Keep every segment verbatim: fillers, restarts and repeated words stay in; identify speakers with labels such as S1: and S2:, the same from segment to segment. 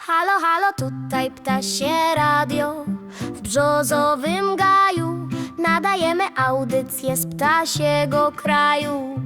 S1: Halo, halo, tutaj ptasie radio. W brzozowym gaju nadajemy audycję z ptasiego kraju.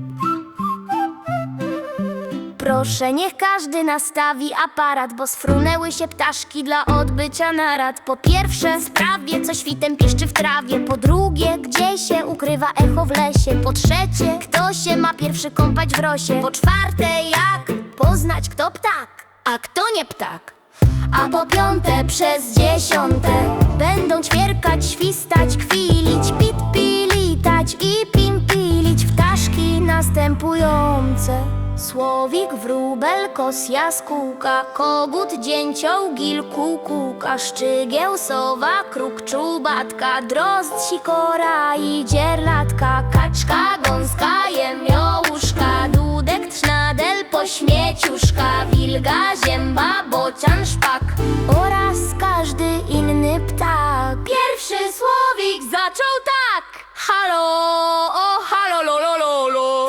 S1: Proszę, niech każdy nastawi aparat, bo sfrunęły się ptaszki dla odbycia narad. Po pierwsze, sprawie, co świtem piszczy w trawie. Po drugie, gdzie się ukrywa echo w lesie. Po trzecie, kto się ma pierwszy kąpać w rosie. Po czwarte, jak poznać, kto ptak, a kto nie ptak. A po piąte, przez dziesiąte będą ćwierkać, świstać, kwilić, pit, pilitać i pimpilić ptaszki następujące: słowik, wróbel, kos, jaskółka, kogut, dzięcioł, gil, kukułka, szczygieł, sowa, kruk, czubatka, drozd, sikora i dzierlatka, kaczka, gąska, jemiołuszka, dudek, trznadel, pośmieciuszka, wilga, zięba, bocian, szpak oraz każdy inny ptak. Pierwszy słowik zaczął tak: halo, o, halo, lo, lo, lo, lo.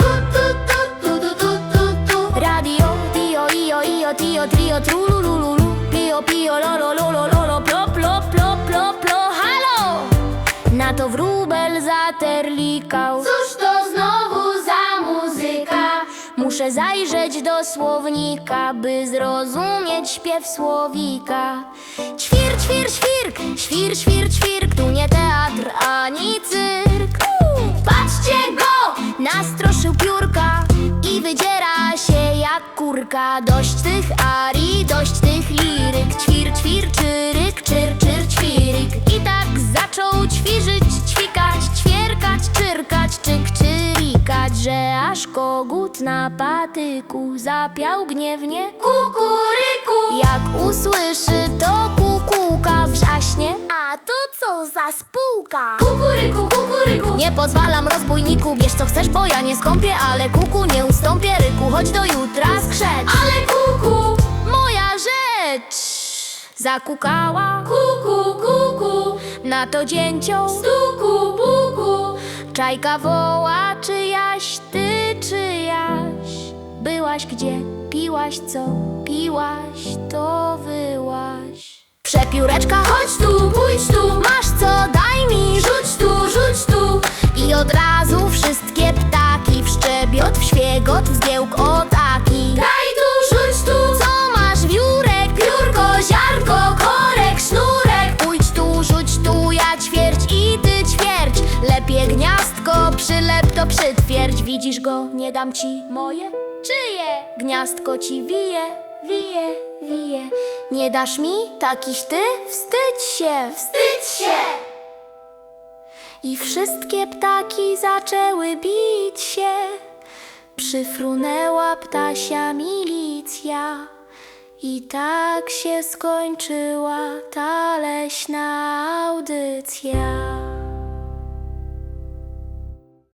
S1: Radio, tio, io, io, tio, trio, trulululu, pio, pio, lo, lo, lo, lo, lo, lo, plo, plo, plo, plo, plo, halo! Na to wróbel zaterlikał: cóż to znowu za muzyka? Muszę zajrzeć do słownika, by zrozumieć śpiew słowika. Ćwir, ćwir, świrk, świr, świr, ćwirk, tu nie teatr ani cyrk. Patrzcie go, nastroszył piórka i wydziera się jak kurka. Dość tych arii, dość tych liryk. Ćwir, ćwir, czyryk, czyr, czyr, ćwiryk. I tak zaczął ćwiżyć, ćwikać, ćwierkać, czyrkać, czyk, czyrikać, że aż kogut na patyku zapiał gniewnie kukuryku. Jak usłyszy to kukułka, wrzaśnie: a to co za spółka? Kukuryku, kukuryku. Nie pozwalam, rozbójniku, bierz co chcesz, bo ja nie skąpię, ale kuku, nie ustąpię ryku, choć do jutra skrzecz. Ale kuku, moja rzecz. Zakukała kuku, kuku, na to dzięcioł stuku, puku. Czajka woła: czyjaś ty, czyjaś? Byłaś gdzie? Piłaś co? Piłaś to wyłaś. Przepióreczka, chodź tu, pójdź tu, masz co, daj mi, rzuć tu, rzuć tu. I od razu wszystkie ptaki w szczebiot, w świegot, w zgiełk o taki. Daj tu, rzuć tu, co masz, wiórek, piórko, ziarnko, korek, sznurek. Pójdź tu, rzuć tu, ja ćwierć i ty ćwierć. Lepiej gniazdko, przylep to przytwierdź. Widzisz go, nie dam ci moje? Czyje? Gniazdko ci wije, wije, wije. Nie dasz mi? Takiś ty? Wstydź się, wstydź się! I wszystkie ptaki zaczęły bić się. Przyfrunęła ptasia milicja. I tak się skończyła ta leśna audycja.